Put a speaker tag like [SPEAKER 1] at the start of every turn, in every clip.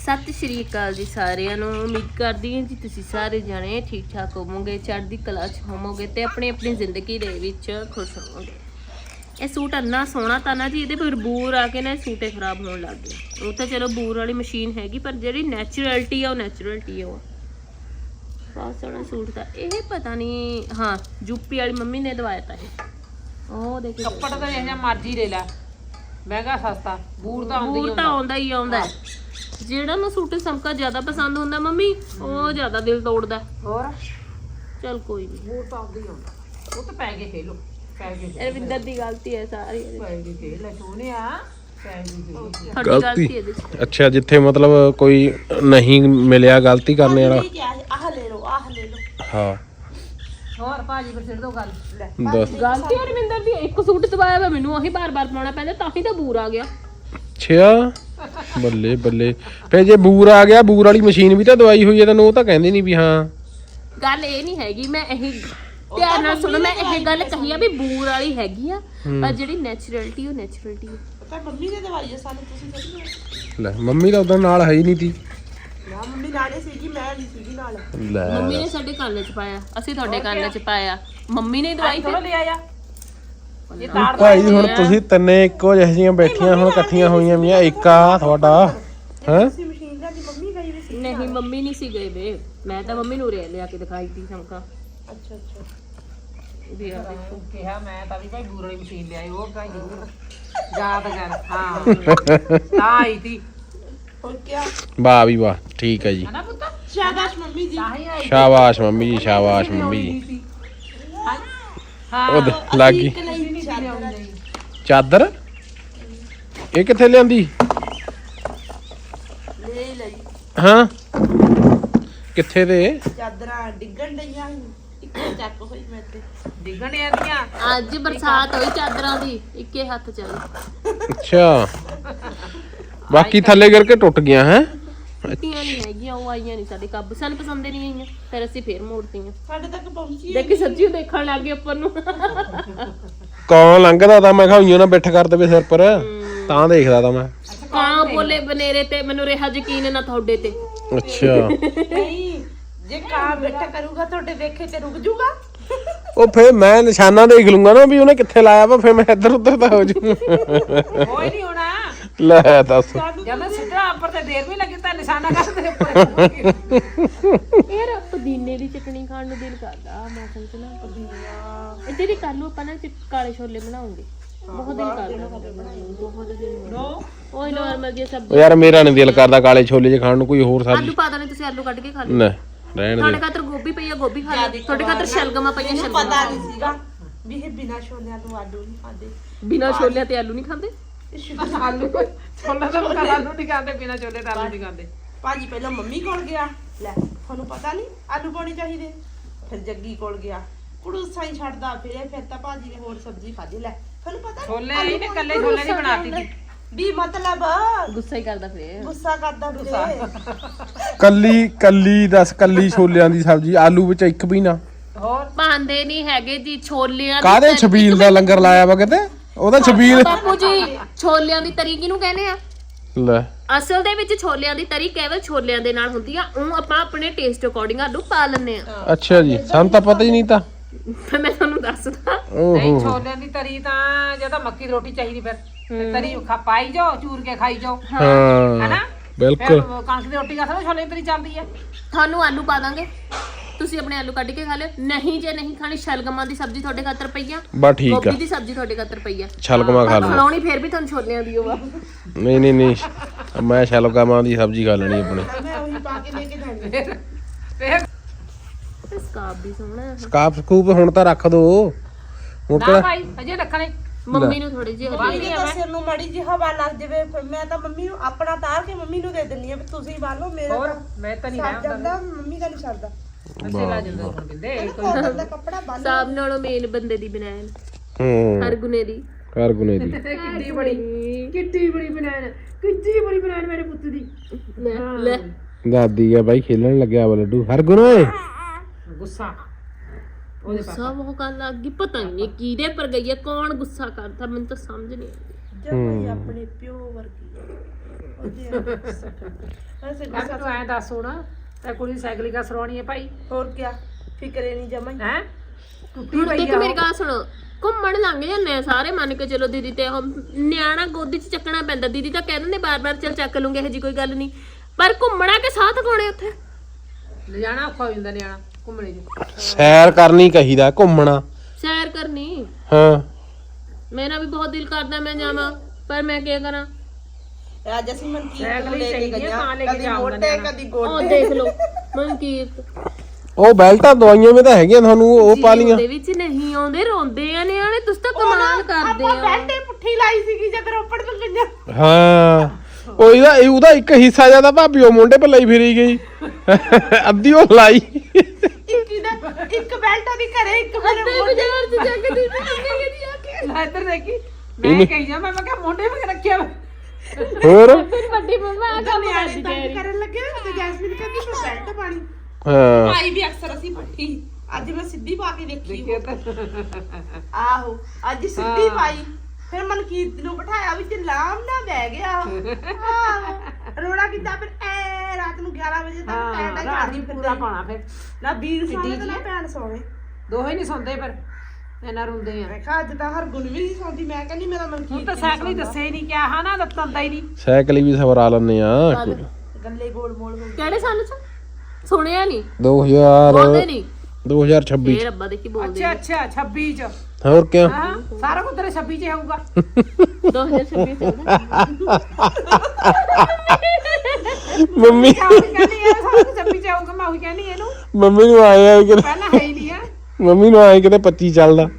[SPEAKER 1] ਸਤਿ ਸ਼੍ਰੀ ਅਕਾਲ ਜੀ ਸਾਰਿਆਂ ਨੂੰ। ਉਮੀਦ ਕਰਦੀ ਹਾਂ ਜੀ ਤੁਸੀਂ ਸਾਰੇ ਜਾਣੇ ਠੀਕ ਠਾਕ ਹੋਵੋਗੇ, ਚੜ੍ਹਦੀ ਕਲਾ 'ਚ ਹੋਵੋਗੇ ਤੇ ਆਪਣੀ ਆਪਣੀ ਜ਼ਿੰਦਗੀ ਦੇ ਵਿੱਚ ਖੁਸ਼ ਹੋਵੋਗੇ। ਇਹ ਸੂਟ ਇੰਨਾ ਸੋਹਣਾ ਤਾਂ ਨਾ ਜੀ, ਇਹਦੇ ਪਰ ਬੂਰ ਆ ਕੇ ਨਾ ਇਹ ਸੂਟੇ ਖਰਾਬ ਹੋਣ ਲੱਗ ਗਏ। ਉਹ ਤਾਂ ਚਲੋ ਬੂਰ ਵਾਲੀ ਮਸ਼ੀਨ ਹੈਗੀ, ਪਰ ਜਿਹੜੀ ਨੈਚੁਰਲਿਟੀ ਆ ਉਹ ਨੈਚੁਰਲਿਟੀ ਆ। ਉਹ ਬਹੁਤ ਸੋਹਣਾ ਸੂਟ ਤਾਂ ਇਹ ਪਤਾ ਨਹੀਂ, ਹਾਂ ਯੂਪੀ ਵਾਲੀ ਮੰਮੀ ਨੇ ਦਵਾਇਆ ਤਾਂ ਇਹ। ਉਹ ਦੇਖੋ
[SPEAKER 2] ਕੱਪੜਾ ਤਾਂ ਜਿਹੜਾ ਮਰਜ਼ੀ ਲੈ ਲੈ, ਮਹਿੰਗਾ ਸਸਤਾ ਬੂਰ ਤਾਂ
[SPEAKER 1] ਆਉਂਦਾ ਹੀ ਆਉਂਦਾ। ਜਿਹੜਾ ਨੂੰ ਸੂਟ ਸਮਕਾ ਜ਼ਿਆਦਾ ਪਸੰਦ ਹੁੰਦਾ ਮੰਮੀ, ਉਹ ਜ਼ਿਆਦਾ ਦਿਲ ਤੋੜਦਾ।
[SPEAKER 2] ਹੋਰ
[SPEAKER 1] ਚਲ ਕੋਈ ਨਹੀਂ,
[SPEAKER 2] ਬੂਰ ਤਾਂ ਆਉਂਦਾ ਹੀ ਆਉਂਦਾ। ਉਹ ਤਾਂ ਪੈ ਗਏ ਖੇਲੋ, ਪੈ ਗਏ
[SPEAKER 1] ਰਵਿੰਦਰ ਦੀ ਗਲਤੀ ਹੈ ਸਾਰੀ।
[SPEAKER 2] ਪੈ ਗਏ ਖੇਲ ਸੋਹਣਿਆ, ਪੈ ਗਏ
[SPEAKER 1] ਤੁਹਾਡੀ ਗਲਤੀ ਹੈ ਇਹਦੇ 'ਚ।
[SPEAKER 3] ਅੱਛਾ, ਜਿੱਥੇ ਮਤਲਬ ਕੋਈ ਨਹੀਂ ਮਿਲਿਆ ਗਲਤੀ ਕਰਨੇ ਵਾਲਾ।
[SPEAKER 2] ਆਹ ਲੈ ਲਓ, ਆਹ ਲੈ ਲਓ।
[SPEAKER 3] ਹਾਂ
[SPEAKER 2] ਹੋਰ ਭਾਜੀ ਫਿਰ ਸਿੱਟ ਦੋ ਗੱਲ ਲੈ।
[SPEAKER 3] ਦੱਸ।
[SPEAKER 1] ਗਲਤੀ ਹੈ ਰਵਿੰਦਰ ਦੀ। ਇੱਕ ਸੂਟ ਦਵਾਇਆ ਵਾ ਮੈਨੂੰ, ਉਹੀ ਬਾਰ-ਬਾਰ ਪਾਉਣਾ ਪੈਂਦਾ, ਤਾਂ ਹੀ ਤਾਂ ਬੂਰ ਆ ਗਿਆ।
[SPEAKER 3] ਅੱਛਾ ਬੱਲੇ ਬੱਲੇ। ਫੇ ਜੇ ਬੂਰ ਆ ਗਿਆ, ਬੂਰ ਵਾਲੀ ਮਸ਼ੀਨ ਵੀ ਤਾਂ ਦਵਾਈ ਹੋਈ ਹੈ ਤੈਨੂੰ, ਉਹ ਤਾਂ ਕਹਿੰਦੇ ਨਹੀਂ ਵੀ ਹਾਂ।
[SPEAKER 1] ਗੱਲ ਇਹ ਨਹੀਂ ਹੈਗੀ, ਮੈਂ ਇਹ ਧਿਆਨ ਨਾਲ ਸੁਣੋ, ਮੈਂ ਇਹ ਗੱਲ ਕਹੀ ਆ ਵੀ ਬੂਰ ਵਾਲੀ ਹੈਗੀ ਆ, ਪਰ ਜਿਹੜੀ ਨੈਚੁਰਲਿਟੀ ਉਹ ਨੈਚੁਰਲਿਟੀ ਹੈ।
[SPEAKER 2] ਪਤਾ ਮੰਮੀ ਨੇ ਦਵਾਈ ਹੈ ਸਾਨੂੰ, ਤੁਸੀਂ ਦੱਸੋ।
[SPEAKER 3] ਲੈ ਮੰਮੀ ਤਾਂ ਉਦੋਂ ਨਾਲ ਹੈ ਹੀ ਨਹੀਂ ਤੀ।
[SPEAKER 2] ਨਾ ਮੰਮੀ ਨਾਲੇ ਸੀਗੀ, ਮੈਂ ਨਹੀਂ ਸੀਗੀ ਨਾਲ।
[SPEAKER 3] ਲੈ
[SPEAKER 1] ਮੰਮੀ ਨੇ ਸਾਡੇ ਕੰਨ 'ਚ ਪਾਇਆ, ਅਸੀਂ ਤੁਹਾਡੇ ਕੰਨ 'ਚ ਪਾਇਆ। ਮੰਮੀ ਨੇ ਦਵਾਈ ਫਿਰ
[SPEAKER 2] ਲੈ ਆਇਆ। ਇਹ ਤਾੜ
[SPEAKER 3] ਭਾਈ ਹੁਣ ਤੁਸੀਂ ਤਿੰਨੇ ਇੱਕੋ ਜਿਹੀਆਂ ਬੈਠੀਆਂ ਹੁਣ ਇਕੱਠੀਆਂ ਹੋਈਆਂ ਵੀਆਂ, ਇੱਕ ਆ ਤੁਹਾਡਾ ਹੈ।
[SPEAKER 2] ਮਸ਼ੀਨ ਦਾ ਮੰਮੀ ਗਈ ਵੀ ਸੀ।
[SPEAKER 1] ਨਹੀਂ ਮੰਮੀ ਨਹੀਂ ਸੀ ਗਏ ਵੇ, ਮੈਂ ਤਾਂ ਮੰਮੀ ਨੂੰ ਲਿਆ ਕੇ ਦਿਖਾਈ ਤੀ ਸਮਕਾ।
[SPEAKER 2] ਅੱਛਾ ਅੱਛਾ
[SPEAKER 1] ਵੀ ਆ ਦੇਖੋ।
[SPEAKER 2] ਕਿਹਾ ਮੈਂ ਤਾਂ ਵੀ ਭਾਈ ਬੂਰ ਵਾਲੀ ਮਸ਼ੀਨ ਲਿਆਈ, ਉਹ ਭਾਈ ਜ਼ਰੂਰ ਯਾਦ ਕਰ। ਹਾਂ ਤਾਂ ਆਈ ਸੀ। ਹੋਰ ਕੀ
[SPEAKER 3] ਵਾਹ ਵੀ ਵਾਹ, ਠੀਕ ਹੈ ਜੀ।
[SPEAKER 2] ਹਨਾ ਪੁੱਤ, ਸ਼ਾਬਾਸ਼ ਮੰਮੀ ਜੀ।
[SPEAKER 3] ਸ਼ਾਬਾਸ਼ ਮੰਮੀ ਜੀ, ਸ਼ਾਬਾਸ਼ ਮੰਮੀ ਜੀ।
[SPEAKER 2] ਹਾਂ
[SPEAKER 3] ਉਹ ਲੱਗ ਗਈ ਚਾਦਰ। ਇਹ ਕਿੱਥੇ ਲਿਆਂਦੀ?
[SPEAKER 2] ਲੈ ਲਈ
[SPEAKER 3] ਹਾਂ ਕਿੱਥੇ ਦੇ?
[SPEAKER 2] ਚਾਦਰਾਂ ਡਿੱਗਣ ਡਈਆਂ, ਇੱਕੋ ਚੱਕ ਹੋਈ ਮੈਂ ਤੇ ਡਿੱਗਣ ਆਂਦੀਆਂ।
[SPEAKER 1] ਅੱਜ ਬਰਸਾਤ ਹੋਈ ਚਾਦਰਾਂ ਦੀ, ਇੱਕੇ ਹੱਥ ਚ ਆਈ।
[SPEAKER 3] ਅੱਛਾ, ਬਾਕੀ ਥੱਲੇ ਕਰਕੇ ਟੁੱਟ ਗਿਆ ਹੈ।
[SPEAKER 1] ਟੁੱਟੀਆਂ ਨਹੀਂ ਹੈਗੀਆਂ, ਉਹ ਆਈਆਂ ਨਹੀਂ ਸਾਡੇ ਕਾਬੂ, ਸਾਨੂੰ ਪਸੰਦ ਹੀ ਨਹੀਂ ਆਈਆਂ, ਫਿਰ ਅਸੀਂ ਫੇਰ ਮੋੜਤੀਆਂ।
[SPEAKER 2] ਸਾਡੇ ਤੱਕ ਪਹੁੰਚੀ
[SPEAKER 1] ਦੇਖੀ ਸੱਚੀ ਦੇਖਣ ਲੱਗ ਗਏ ਉੱਪਰ ਨੂੰ।
[SPEAKER 3] ਕੌਣ ਲੰਘਦਾ ਤਾਂ ਮੈਂ ਕਿਹਾ ਹੋਈਆਂ ਨਾ ਬਿੱਠ ਕਰ ਦੇਵੇ ਸਿਰ ਪਰ, ਤਾਂ ਦੇਖਦਾ ਤਾਂ ਮੈਂ।
[SPEAKER 1] ਕਾਂ ਬੋਲੇ ਬਨੇਰੇ ਤੇ, ਮੈਨੂੰ ਰਿਹਾ ਯਕੀਨ ਨਾ ਤੁਹਾਡੇ ਤੇ।
[SPEAKER 3] ਅੱਛਾ
[SPEAKER 2] ਨਹੀਂ, ਜੇ ਕਾਂ ਬੈਠਾ ਕਰੂਗਾ ਤੁਹਾਡੇ ਦੇਖੇ ਤੇ ਰੁਕ ਜੂਗਾ।
[SPEAKER 3] ਉਹ ਫੇਰ ਮੈਂ ਨਿਸ਼ਾਨਾ ਦੇਖ ਲੂੰਗਾ ਨਾ ਵੀ ਉਹਨੇ ਕਿੱਥੇ ਲਾਇਆ ਵਾ, ਫੇਰ ਮੈਂ ਇੱਧਰ ਉੱਧਰ ਤਾਂ ਹੋ ਜੂ।
[SPEAKER 2] ਕੋਈ ਨਹੀਂ ਹੋਣਾ।
[SPEAKER 3] ਲੈ ਦੱਸ,
[SPEAKER 2] ਜਦੋਂ ਸਿੱਧਾ ਉੱਪਰ ਤੇ ਦੇਰ ਵੀ ਲੱਗੀ ਤਾਂ ਨਿਸ਼ਾਨਾ ਕਰ ਤੇਰੇ ਉੱਪਰ।
[SPEAKER 1] ਯਾਰ ਪੁਦੀਨੇ ਦੀ ਚਟਣੀ ਖਾਣ ਨੂੰ ਦਿਲ ਕਰਦਾ ਮੌਸਮ ਚ ਨਾ। ਪੁਦੀਨਾ ਇੱਥੇ ਦੀ ਕੱਲ ਨੂੰ ਆਪਾਂ ਨਾ ਕਾਲੇ ਛੋਲੇ ਬਣਾਉਂਗੇ, ਬਹੁਤ ਦਿਲ ਕਰਦਾ, ਬਹੁਤ ਦਿਲ। ਉਹ ਨਾਰਮਲ ਜਿਹਾ ਸਬਜ਼ੀ।
[SPEAKER 3] ਯਾਰ ਮੇਰਾ ਨੀ ਦਿਲ ਕਰਦਾ ਕਾਲੇ ਛੋਲੇ ਜੇ ਖਾਣ ਨੂੰ, ਕੋਈ ਹੋਰ ਸਬਜ਼ੀ।
[SPEAKER 1] ਆਲੂ ਪਾ ਦੇਣੇ ਤੁਸੀਂ, ਆਲੂ ਕੱਢ ਕੇ ਖਾ ਲਓ।
[SPEAKER 3] ਨਾ ਰਹਿਣ
[SPEAKER 1] ਤੁਹਾਡੇ
[SPEAKER 3] ਦੇ।
[SPEAKER 1] ਖਾਤਰ ਗੋਭੀ ਪਈ ਆ, ਗੋਭੀ ਖਾ ਲਓ। ਤੁਹਾਡੇ ਖਾਤਰ ਸ਼ਲਗਮਾਂ ਪਈਆਂ, ਸ਼ਲਗਮਾਂ।
[SPEAKER 2] ਪਤਾ ਨਹੀਂ ਸੀਗਾ ਵੀ ਇਹ ਬਿਨਾ ਛੋਲਿਆਂ ਤੋਂ ਆਲੂ ਨਹੀਂ ਖਾਂਦੇ।
[SPEAKER 1] ਬਿਨਾਂ ਛੋਲਿਆਂ ਤੇ ਆਲੂ ਨਹੀਂ ਖਾਂਦੇ।
[SPEAKER 2] ਆਲੂ ਛੋਲਾ ਤਾਂ ਆਲੂ ਨਹੀਂ ਖਾਂਦੇ, ਬਿਨਾ ਛੋਲੇ ਤਾਂ ਆਲੂ ਨਹੀਂ ਖਾਂਦੇ। ਭਾਜੀ ਪਹਿਲਾਂ ਮੰਮੀ ਕੋਲ ਗਿਆ, ਲੈ ਤੁਹਾਨੂੰ ਪਤਾ ਨਹੀਂ ਆਲੂ ਪਾਉਣੇ ਚਾਹੀਦੇ। ਫਿਰ ਜੱਗੀ ਕੋਲ ਗਿਆ, ਕੁੜੂਸਾ ਹੀ ਛੱਡਦਾ ਫਿਰੇ। ਫਿਰ ਤਾਂ ਭਾਜੀ ਨੇ ਹੋਰ ਸਬਜ਼ੀ ਖਾਧੀ। ਲੈ ਤੁਹਾਨੂੰ ਪਤਾ ਛੋਲੇ ਇਹਨੇ ਕੱਲੇ ਛੋਲੇ ਨਹੀਂ ਬਣਾਤੀ ਵੀ, ਮਤਲਬ
[SPEAKER 1] ਗੁੱਸਾ ਹੀ ਕਰਦਾ ਫਿਰ,
[SPEAKER 2] ਗੁੱਸਾ ਕਰਦਾ ਫਿਰੇ।
[SPEAKER 3] ਕੱਲੀ ਦੱਸ, ਕੱਲੀ ਛੋਲਿਆਂ ਦੀ ਸਬਜ਼ੀ, ਆਲੂ ਵਿੱਚ ਇੱਕ ਵੀ ਨਾ।
[SPEAKER 2] ਹੋਰ
[SPEAKER 1] ਪਾਉਂਦੇ ਨਹੀਂ ਹੈਗੇ ਜੀ ਛੋਲਿਆਂ ਦੀ।
[SPEAKER 3] ਕਾਹਦੇ ਛਬੀਲ ਦਾ ਲੰਗਰ ਲਾਇਆ ਵਾ ਕਿਤੇ? ਉਹਦਾ ਛਬੀਲ।
[SPEAKER 1] ਬਾਪੂ ਜੀ ਛੋਲਿਆਂ ਦੀ ਤਰੀ ਕਿਹਨੂੰ ਕਹਿੰਦੇ ਆ?
[SPEAKER 3] ਲੈ
[SPEAKER 1] ਅਸਲ ਦੇ ਵਿੱਚ ਛੋਲਿਆਂ ਦੀ ਤਰੀ ਕੇਵਲ ਛੋਲਿਆਂ ਦੇ ਨਾਲ ਹੁੰਦੀ ਆ। ਉਹ ਆਪਾਂ ਆਪਣੇ ਟੇਸਟ ਅਕੋਰਡਿੰਗ ਆਲੂ ਪਾ ਲੈਂਦੇ ਆ।
[SPEAKER 3] ਅੱਛਾ ਜੀ, ਸਾਨੂੰ ਤਾਂ ਪਤਾ ਹੀ ਨਹੀਂ ਤਾਂ।
[SPEAKER 1] ਫਿਰ ਮੈਂ ਤੁਹਾਨੂੰ ਦੱਸਦਾ।
[SPEAKER 2] ਨਹੀਂ, ਛੋਲਿਆਂ ਦੀ ਤਰੀ ਤਾਂ ਜਦੋਂ ਮੱਕੀ ਦੀ ਰੋਟੀ ਚਾਹੀਦੀ, ਫਿਰ ਤਰੀ ਪਾਈ ਜਾਓ, ਚੂਰ ਕੇ ਖਾਈ ਜਾਓ।
[SPEAKER 3] ਹਾਂ
[SPEAKER 2] ਹੈਨਾ,
[SPEAKER 3] ਬਿਲਕੁਲ।
[SPEAKER 2] ਕਣਕ ਦੀ ਰੋਟੀ ਖਾਓ, ਛੋਲੇ ਦੀ ਤਰੀ ਚੱਲਦੀ ਹੈ।
[SPEAKER 1] ਤੁਹਾਨੂੰ ਆਲੂ ਪਾ ਦਾਂਗੇ, ਤੁਸੀਂ ਆਪਣੇ ਆਲੂ ਕੱਢ ਕੇ ਖਾ ਲਿਓ। ਨਹੀਂ ਜੇ ਨਹੀਂ ਖਾਣੀ, ਸ਼ਲਗਮਾਂ ਦੀ ਸਬਜ਼ੀ ਤੁਹਾਡੇ ਖਾਤਰ ਪਈ ਆ,
[SPEAKER 3] ਬਸ ਠੀਕ ਆ,
[SPEAKER 1] ਗੋਭੀ ਦੀ ਸਬਜ਼ੀ ਤੁਹਾਡੇ ਖਾਤਰ ਪਈ ਆ।
[SPEAKER 3] ਛਲਗਮਾ ਖਾ ਲਓ।
[SPEAKER 1] ਖਲਾਉਣੀ ਫਿਰ ਵੀ ਤੁਹਾਨੂੰ ਛੋਲਿਆਂ ਦੀ ਹੋਵਾ।
[SPEAKER 3] ਨਹੀਂ ਨਹੀਂ ਨਹੀਂ, ਮੈਂ ਛਲਗਮਾਂ ਦੀ ਸਬਜ਼ੀ ਖਾ ਲੈਣੀ ਆਪਣੇ।
[SPEAKER 2] ਮੈਂ ਉਹੀ ਪਾ ਕੇ ਲੈ ਕੇ ਜਾਣੀ। ਫਿਰ
[SPEAKER 1] ਸਕਾਪ ਵੀ ਸੋਹਣਾ।
[SPEAKER 3] ਸਕਾਪ ਸਕੂਪ ਹੁਣ ਤਾਂ ਰੱਖ ਦੋ, ਹੁਣ
[SPEAKER 2] ਨਾ
[SPEAKER 3] ਕਿਹੜਾ।
[SPEAKER 2] ਭਾਈ ਅਜੇ ਰੱਖਣੇ।
[SPEAKER 1] ਮੰਮੀ ਨੂੰ ਥੋੜੀ ਜਿਹੀ
[SPEAKER 2] ਮੰਮੀ ਦੇ ਸਿਰ ਨੂੰ ਮੜੀ ਜਿਹੀ ਹਵਾ ਲੱਗ ਜਾਵੇ, ਫਿਰ ਮੈਂ ਤਾਂ ਮੰਮੀ ਨੂੰ ਆਪਣਾ ਤਾਰ ਕੇ ਮੰਮੀ ਨੂੰ ਦੇ ਦਿੰਨੀ ਆ ਵੀ ਤੁਸੀਂ ਵਾਲੋ। ਮੇਰਾ ਹੋਰ ਮੈਂ ਤਾਂ ਨਹੀਂ ਰਹਿ ਜਾਂਦਾ, ਮੰਮੀ ਦਾ ਨਹੀਂ ਸਰਦਾ। ਅੱਛੇ ਲਾ ਜਾਂਦਾ ਹੁਣ ਕਹਿੰਦੇ ਕੋਟਨ ਦਾ ਕੱਪੜਾ ਬੰਨ
[SPEAKER 1] ਸਾਬ ਨਾਲੋਂ ਮੇਨ ਬੰਦੇ ਦੀ ਬਣਾਇਨ,
[SPEAKER 3] ਹੂੰ
[SPEAKER 1] ਹਰ ਗੁਨੇ ਦੀ।
[SPEAKER 3] ਕਰ ਗੁਨੇ ਦੀ
[SPEAKER 2] ਕਿੱਡੀ ਬੜੀ ਬਣਾਣ ਮੇਰੇ ਪੁੱਤ ਦੀ।
[SPEAKER 1] ਲੈ
[SPEAKER 3] ਦਾਦੀ ਆ ਬਾਈ, ਖੇਲਣ ਲੱਗਿਆ ਵਾ ਲੱਡੂ। ਹਰ ਗੁਣ ਓਏ
[SPEAKER 2] ਗੁੱਸਾ
[SPEAKER 1] ਗੁੱਸਾ ਉਹ ਕਰਨ ਲੱਗ ਗਈ, ਪਤਾ ਨਹੀਂ ਕਿਹਦੇ ਪਰ ਗਈ ਹੈ, ਕੌਣ ਗੁੱਸਾ ਕਰਦਾ, ਮੈਨੂੰ ਤਾਂ ਸਮਝ ਨਹੀਂ ਆਉਂਦੀ।
[SPEAKER 2] ਆਪਣੇ ਪਿਓ ਵਰਗੀ
[SPEAKER 4] ਮੈਂ ਤੂੰ ਐਂ ਦੱਸ ਹੁਣ ਤੇ ਕੁੜੀ ਦੀ ਸਾਈਕਲ ਕਾ ਸਰਵਾਉਣੀ ਹੈ ਭਾਈ
[SPEAKER 2] ਹੋਰ ਕੀ ਫਿਕਰੇ ਨਹੀਂ ਜਮਾ ਹੀ।
[SPEAKER 4] ਹੈ ਟੁੱਟੀ
[SPEAKER 1] ਹੁਣ
[SPEAKER 4] ਪਈ
[SPEAKER 1] ਦੇਖ
[SPEAKER 4] ਆ
[SPEAKER 1] ਮੇਰੀ ਗੱਲ ਸੁਣੋ, ਘੁੰਮਣ ਲੰਘ ਜਾਂਦੇ ਆ ਸਾਰੇ, ਮੰਨ ਕੇ ਚਲੋ ਦੀਦੀ ਤੇ ਉਹ ਨਿਆਣਾ ਗੋਦੀ 'ਚ ਚੱਕਣਾ ਪੈਂਦਾ, ਦੀਦੀ ਤਾਂ ਕਹਿ ਦਿੰਦੇ ਬਾਰ-ਬਾਰ ਚੱਲ ਚੱਕ ਲੂੰਗੇ, ਇਹੋ ਜੀ ਕੋਈ ਗੱਲ ਨਹੀਂ, ਪਰ ਘੁੰਮਣਾ ਕਿ ਸਾਥ ਕੋਣੇ ਉੱਥੇ
[SPEAKER 4] ਲਿਜਾਣਾ ਔਖਾ ਹੋ ਜਾਂਦਾ ਨਿਆਣਾ ਘੁੰਮਣੇ ਚ।
[SPEAKER 3] ਸੈਰ ਕਰਨੀ ਕਹੀਦਾ, ਘੁੰਮਣਾ।
[SPEAKER 1] ਸੈਰ ਕਰਨੀ
[SPEAKER 3] ਹਾਂ
[SPEAKER 1] ਮੇਰਾ ਵੀ ਬਹੁਤ ਦਿਲ ਕਰਦਾ ਮੈਂ ਜਾਵਾਂ, ਪਰ ਮੈਂ ਕੀ ਕਰਾਂ।
[SPEAKER 2] ਅੱਜ ਅਸੀਂ ਮਨਕੀਰਤ
[SPEAKER 4] ਸਾਈਕਲ
[SPEAKER 2] ਨੂੰ
[SPEAKER 4] ਹੀ
[SPEAKER 2] ਲੈ ਕੇ
[SPEAKER 4] ਚਾਹੀਦੀ ਆ,
[SPEAKER 2] ਗਈਆਂ,
[SPEAKER 4] ਤਾਂ ਲੈ ਕੇ
[SPEAKER 2] ਕਦੀ
[SPEAKER 4] ਜਾਊਂਗਾ
[SPEAKER 2] ਮੋਟੇ
[SPEAKER 4] ਨਿਆਣਾ।
[SPEAKER 2] ਕਦੀ
[SPEAKER 1] ਉਹ
[SPEAKER 2] ਗੋਡੇ।
[SPEAKER 1] ਦੇਖ ਲਓ ਮਨਕੀਰਤ
[SPEAKER 3] ਉਹ ਬੈਲਟਾਂ ਦਵਾਈਆਂ ਵਿੱਚ ਤਾਂ ਹੈਗੀਆਂ, ਤੁਹਾਨੂੰ ਉਹ ਪਾ ਲੀਆਂ।
[SPEAKER 1] ਉਹਦੇ ਵਿੱਚ ਨਹੀਂ ਆਉਂਦੇ, ਰੋਂਦੇ ਆ ਨਿਆਣੇ, ਤੁਸੀਂ ਤਾਂ ਕਮਾਲ ਕਰਦੇ
[SPEAKER 2] ਆਪਾਂ
[SPEAKER 1] ਆ।
[SPEAKER 2] ਬੈਠੇ ਪੁੱਠੀ ਲਾਈ ਸੀਗੀ ਜਦ ਰੋਪੜ ਤੋਂ ਗਈਆਂ।
[SPEAKER 3] ਹਾਂ ਉਹਦਾ ਇੱਕ ਹਿੱਸਾ ਜਿਆਦਾ ਭਾਬੀ ਉਹ ਮੁੰਡੇ ਪਰ ਲਈ ਫਿਰੀ ਗਈ, ਅੱਧੀ ਉਹ ਲਾਈ।
[SPEAKER 2] ਇੱਕ ਬੈਲਟ ਉਹਦੀ ਘਰੇ, ਇੱਕ ਮੇਰੇ
[SPEAKER 1] ਅੱਧੇ ਬਾਜ਼ਾਰ 'ਚ ਜਾ ਕੇ ਦੀਦੀ ਮੰਮੀ ਕਹਿੰਦੀ ਆ ਕੇ
[SPEAKER 4] ਲੈ ਇੱਧਰ ਦੇਖੀ ਮੈਂ ਕਹੀ ਜਾ ਮੈਂ ਕਿਹਾ ਮੁੰਡੇ ਵਿੱਚ ਰੱਖਿਆ ਵਾ।
[SPEAKER 3] ਹੋਰ
[SPEAKER 1] ਫਿਰ ਵੱਡੀ ਮੰਮਾ ਆ ਕੰਮ
[SPEAKER 2] ਨਿਆਣੇ
[SPEAKER 1] ਕਰਦੀ
[SPEAKER 2] ਤੰਗ
[SPEAKER 1] ਤੇਰੀ।
[SPEAKER 2] ਕਰਨ ਲੱਗੇ ਤੇ ਜੈਸਮੀਨ ਕਹਿੰਦੀ ਮੈਂ ਬੈਲਟ ਪਾਣੀ
[SPEAKER 3] ਹਾਂ
[SPEAKER 2] ਪਾਈ ਵੀ ਅਕਸਰ ਅਸੀਂ ਪੁੱਠੀ, ਅੱਜ ਮੈਂ ਸਿੱਧੀ ਪਾ ਕੇ ਦੇਖੀ। ਆਹੋ ਅੱਜ ਸਿੱਧੀ ਪਾਈ, ਫਿਰ ਮਨਕੀਰਤ ਨੂੰ ਬਿਠਾਇਆ ਵਿੱਚ ਲਾਮ ਨਾ ਬਹਿ ਗਿਆ। ਆਹੋ ਰੋਣਾ ਕੀਤਾ, ਫਿਰ ਐ ਰਾਤ ਨੂੰ 11 ਵਜੇ ਤੱਕ
[SPEAKER 4] ਹਾਂ
[SPEAKER 2] ਪੈਂਡਾ
[SPEAKER 4] ਰਾਤ ਦੀ
[SPEAKER 2] ਕਰਦੀ
[SPEAKER 4] ਪੂਰਾ ਪਾਣਾ ਫਿਰ
[SPEAKER 2] ਨਾ ਵੀਰ ਸੌਵੇ ਤੇ ਨਾ ਭੈਣ ਸੌਵੇ।
[SPEAKER 4] ਦੋਹੇ ਨਹੀਂ ਸੌਂਦੇ ਫਿਰ ਇਹਨਾਂ ਰੋਂਦੇ ਆ।
[SPEAKER 2] ਮੈਂ ਕਿਹਾ ਅੱਜ ਤਾਂ ਹਰ ਗੁਣ ਵੀ ਨਹੀਂ ਸੌਂਦੀ, ਮੈਂ ਕਹਿੰਦੀ ਮੇਰਾ
[SPEAKER 4] ਹੁਣ
[SPEAKER 2] ਮਨਕੀਰਤ
[SPEAKER 4] ਤਾਂ ਸਾਈਕਲ ਹੀ ਦੱਸੇ ਹੀ ਨਹੀਂ ਕਿਆ ਹਾਂ ਨਾ ਦੱਸਦਾ ਹੀ ਨਹੀਂ।
[SPEAKER 3] ਸਾਈਕਲ ਵੀ ਸਵਰਾ ਲੈਣੇ ਆ।
[SPEAKER 2] ਗੱਲੇ ਗੋਲ ਮੋਲ ਹੋ ਗਏ।
[SPEAKER 1] ਕਿਹੜੇ ਸਾਲ 'ਚ ਸੁਣਿਆ ਨਹੀਂ,
[SPEAKER 3] 2000
[SPEAKER 1] ਬੋਲਦੇ ਨਹੀਂ
[SPEAKER 3] 2026
[SPEAKER 1] ਇਹ ਰੱਬਾ ਦੇਖੀ ਬੋਲਦੇ
[SPEAKER 4] ਅੱਛਾ ਅੱਛਾ 26 ਚ
[SPEAKER 3] ਹੋਰ ਕਿਆ।
[SPEAKER 4] ਹਾਂ ਸਾਰਾ ਕੁਝ ਤੇਰੇ 26 ਚ ਹੋਊਗਾ।
[SPEAKER 1] 2026 ਚ
[SPEAKER 3] ਮੰਮੀ
[SPEAKER 4] ਕਹਿੰਦੀ ਇਹ ਸਾਰਾ ਕੁਝ 26 ਚ ਹੋਊਗਾ, ਮੈਂ ਉਹੀ ਕਹਿੰਦੀ ਇਹਨੂੰ
[SPEAKER 3] ਮੰਮੀ ਨੂੰ ਆਇਆ ਕਿ
[SPEAKER 4] ਪਹਿਲਾਂ ਹੈ ਹੀ ਨਹੀਂ ਆ।
[SPEAKER 3] ਮੰਮੀ ਨੂੰ ਆਏ ਕਿਤੇ 25 ਚੱਲਦਾ।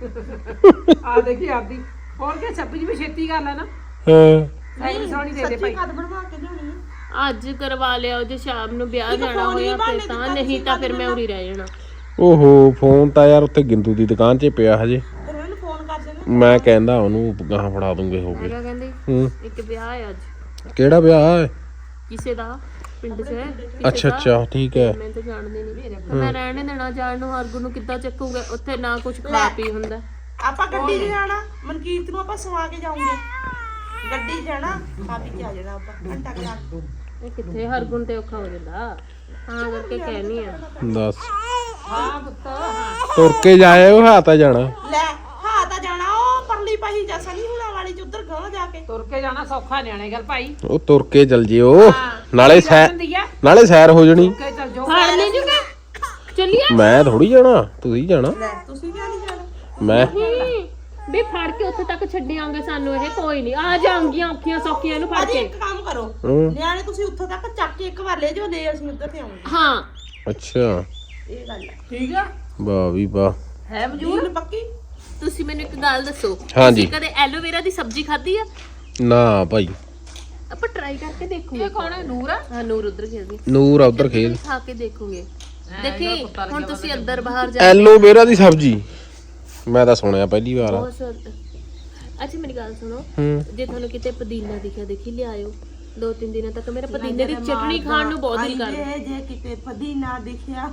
[SPEAKER 4] ਆ ਦੇਖੀ ਆਪਦੀ ਹੋਰ ਕਿ 26 ਵੀ ਛੇਤੀ ਗੱਲ ਹੈ ਨਾ।
[SPEAKER 3] ਹਾਂ
[SPEAKER 4] ਸਾਈਕਲ ਸੋਹਣੀ ਦੇ ਦੇ ਭਾਈ।
[SPEAKER 2] ਖਾਦ ਬਣਵਾ ਕੇ ਲਿਆਉਣੀ ਆ।
[SPEAKER 1] ਅੱਜ ਕਰਵਾ ਲਿਆ, ਜੇ ਸ਼ਾਮ ਨੂੰ ਵਿਆਹ ਜਾਣਾ
[SPEAKER 2] ਫੋਨ ਹੀ
[SPEAKER 1] ਹੋਇਆ
[SPEAKER 2] ਬਹਾਨੇ
[SPEAKER 1] ਫਿਰ ਤਾਂ,
[SPEAKER 2] ਦਿੱਤਾ
[SPEAKER 1] ਨਹੀਂ
[SPEAKER 2] ਤੁਸੀਂ
[SPEAKER 1] ਤਾਂ ਫਿਰ ਮੈਂ ਉਰੀ ਰਹਿ ਜਾਣਾ।
[SPEAKER 3] ਓਹੋ ਫੋਨ ਤਾਂ ਯਾਰ ਉੱਥੇ ਗਿੰਦੂ ਦੀ ਦੁਕਾਨ 'ਚ ਪਿਆ ਹਜੇ,
[SPEAKER 2] ਫਿਰ ਉਹਨੂੰ ਫੋਨ ਕਰ ਦੇਣਾ।
[SPEAKER 3] ਮੈਂ ਕਹਿੰਦਾ ਉਹਨੂੰ ਗਾਹਾਂ ਫੜਾ ਦੂੰਗੇ ਹੋ ਗਏ।
[SPEAKER 1] ਹੈਗਾ ਕਹਿੰਦੇ
[SPEAKER 3] ਹੂੰ
[SPEAKER 1] ਇੱਕ ਵਿਆਹ ਹੈ ਅੱਜ
[SPEAKER 3] ਕਿਹੜਾ ਵਿਆਹ ਹੈ?
[SPEAKER 1] ਕਿਸੇ ਦਾ ਪਿੰਡ 'ਚ ਹੈ
[SPEAKER 3] ਅੱਛਾ ਅੱਛਾ ਠੀਕ ਹੈ।
[SPEAKER 1] ਮੈਂ ਤਾਂ ਜਾਣਦੀ ਨਹੀਂ, ਮੈਂ ਰਹਿਣੇ ਦੇਣਾ ਜਾਣ ਨੂੰ, ਹਰਗੁਣ ਨੂੰ ਕਿੱਦਾਂ ਚੱਕੂਗਾ ਉੱਥੇ, ਨਾ ਕੁਝ ਖਾ ਪੀ ਹੁੰਦਾ।
[SPEAKER 2] ਆਪਾਂ ਗੱਡੀ 'ਚ ਜਾਣਾ, ਮਨਕੀਰਤ ਨੂੰ ਆਪਾਂ ਸਵਾ ਕੇ ਜਾਉਂਗੇ, ਗੱਡੀ 'ਚ ਜਾਣਾ, ਖਾ ਪੀ ਕੇ ਆ ਜਾਣਾ ਆਪਾਂ ਘੰਟਾ ਕੁ ਲਾ।
[SPEAKER 1] ਇਹ ਕਿੱਥੇ ਹਰਗੁਣ ਤੇ ਔਖਾ ਹੋ ਜਾਂਦਾ, ਹਾਂ ਕਰਕੇ ਕਹਿਣੀ ਆ।
[SPEAKER 3] ਦੱਸ
[SPEAKER 4] ਹਾਂ ਪੁੱਤ ਹਾਂ
[SPEAKER 3] ਤੁਰ ਕੇ ਜਾਏ ਉਹ ਹਾਤਾ ਜਾਣਾ।
[SPEAKER 2] ਲੈ ਹਾਂ ਤਾਂ ਜਾਣਾ ਉਹ ਪਰਲੀ ਪਾਹੀ ਜੈਸਾ ਨਹੀਂ ਹੁਣਾ ਵਾਲੀ ਚ ਉਧਰ ਗਾਂ ਜਾ ਕੇ।
[SPEAKER 4] ਤੁਰ ਕੇ ਜਾਣਾ ਸੌਖਾ ਨਿਆਣੇ ਗੱਲ ਭਾਈ।
[SPEAKER 3] ਉਹ ਤੁਰ ਕੇ ਚਲ ਜਿਓ, ਨਾਲੇ ਸੈਰ
[SPEAKER 4] ਹੁੰਦੀ ਆ
[SPEAKER 3] ਨਾਲੇ ਸੈਰ ਹੋ ਜਣੀ।
[SPEAKER 4] ਕੇ ਚੱਲ ਜਾਓ।
[SPEAKER 1] ਫੜ ਨਹੀਂ ਜੂਗਾ, ਚੱਲੀਏ
[SPEAKER 3] ਮੈਂ ਥੋੜੀ ਜਾਣਾ, ਤੁਸੀਂ ਜਾਣਾ।
[SPEAKER 2] ਲੈ ਤੁਸੀਂ ਕਿਉਂ ਨਹੀਂ ਜਾਣਾ?
[SPEAKER 3] ਮੈਂ
[SPEAKER 1] ਨਹੀਂ ਵੀ ਫੜ ਕੇ ਉੱਥੇ ਤੱਕ ਛੱਡਿਆਂਗੇ ਸਾਨੂੰ, ਇਹ ਕੋਈ ਨਹੀਂ ਆ ਜਾਣਗੀਆਂ ਔਖੀਆਂ ਸੌਖੀਆਂ ਇਹਨੂੰ ਫੜ
[SPEAKER 2] ਅੱਜ
[SPEAKER 1] ਕੇ।
[SPEAKER 2] ਇੱਕ ਕੰਮ ਕਰੋ,
[SPEAKER 3] ਹੂੰ।
[SPEAKER 2] ਨਿਆਣੇ ਤੁਸੀਂ ਉੱਥੋਂ ਤੱਕ ਚੱਕ ਕੇ ਇੱਕ ਵਾਰ ਲੈ ਜਾਓ, ਲੈ ਅਸੀਂ ਉੱਧਰ ਤੇ ਆਉਂਗੇ।
[SPEAKER 1] ਹਾਂ
[SPEAKER 3] ਅੱਛਾ
[SPEAKER 2] ਇਹ ਗੱਲ ਹੈ।
[SPEAKER 4] ਠੀਕ ਆ
[SPEAKER 3] ਵਾਹ ਵੀ ਵਾਹ।
[SPEAKER 4] ਹੈ
[SPEAKER 2] ਜੂਨ ਪੱਕੀ।
[SPEAKER 1] ਤੁਸੀਂ ਮੈਨੂੰ ਇੱਕ ਗੱਲ ਦੱਸੋ,
[SPEAKER 3] ਹਾਂਜੀ।
[SPEAKER 1] ਤੁਸੀਂ ਕਦੇ ਐਲੋਵੇਰਾ ਦੀ ਸਬਜ਼ੀ ਖਾਧੀ ਆ?
[SPEAKER 3] ਨਾ ਭਾਈ
[SPEAKER 1] ਆਪਾਂ ਟਰਾਈ ਕਰਕੇ ਦੇਖੂਗੇ।
[SPEAKER 4] ਇਹ ਕੌਣ ਹੈ ਨੂਰ ਆ?
[SPEAKER 1] ਹਾਂ ਨੂਰ ਉਧਰ ਖੇਡਦੀ,
[SPEAKER 3] ਨੂਰ ਆ ਉਧਰ ਖੇਲ।
[SPEAKER 1] ਖਾ ਕੇ ਦੇਖੋਗੇ। ਦੇਖੀ ਹੁਣ ਤੁਸੀਂ ਅੰਦਰ ਬਾਹਰ ਜਾ
[SPEAKER 3] ਐਲੋਵੇਰਾ ਦੀ ਸਬਜ਼ੀ ਮੈਂ ਤਾਂ ਸੁਣਿਆ ਪਹਿਲੀ ਵਾਰ।
[SPEAKER 1] ਬਹੁਤ ਸਵਾਦ। ਅੱਛਾ ਮੇਰੀ ਗੱਲ ਸੁਣੋ,
[SPEAKER 3] ਹੂੰ
[SPEAKER 1] ਜੇ ਤੁਹਾਨੂੰ ਕਿਤੇ ਪੁਦੀਨਾ ਦਿਖਿਆ ਦੇਖੀ ਲਿਆਇਓ, 2-3 ਦਿਨਾਂ ਤੱਕ ਮੇਰਾ ਪੁਦੀਨੇ ਦੀ ਚਟਣੀ ਖਾਣ ਨੂੰ ਬਹੁਤ ਦਿਲ ਕਰਦਾ।
[SPEAKER 2] ਜੇ ਕਿਤੇ ਪੁਦੀਨਾ ਦਿਖਿਆ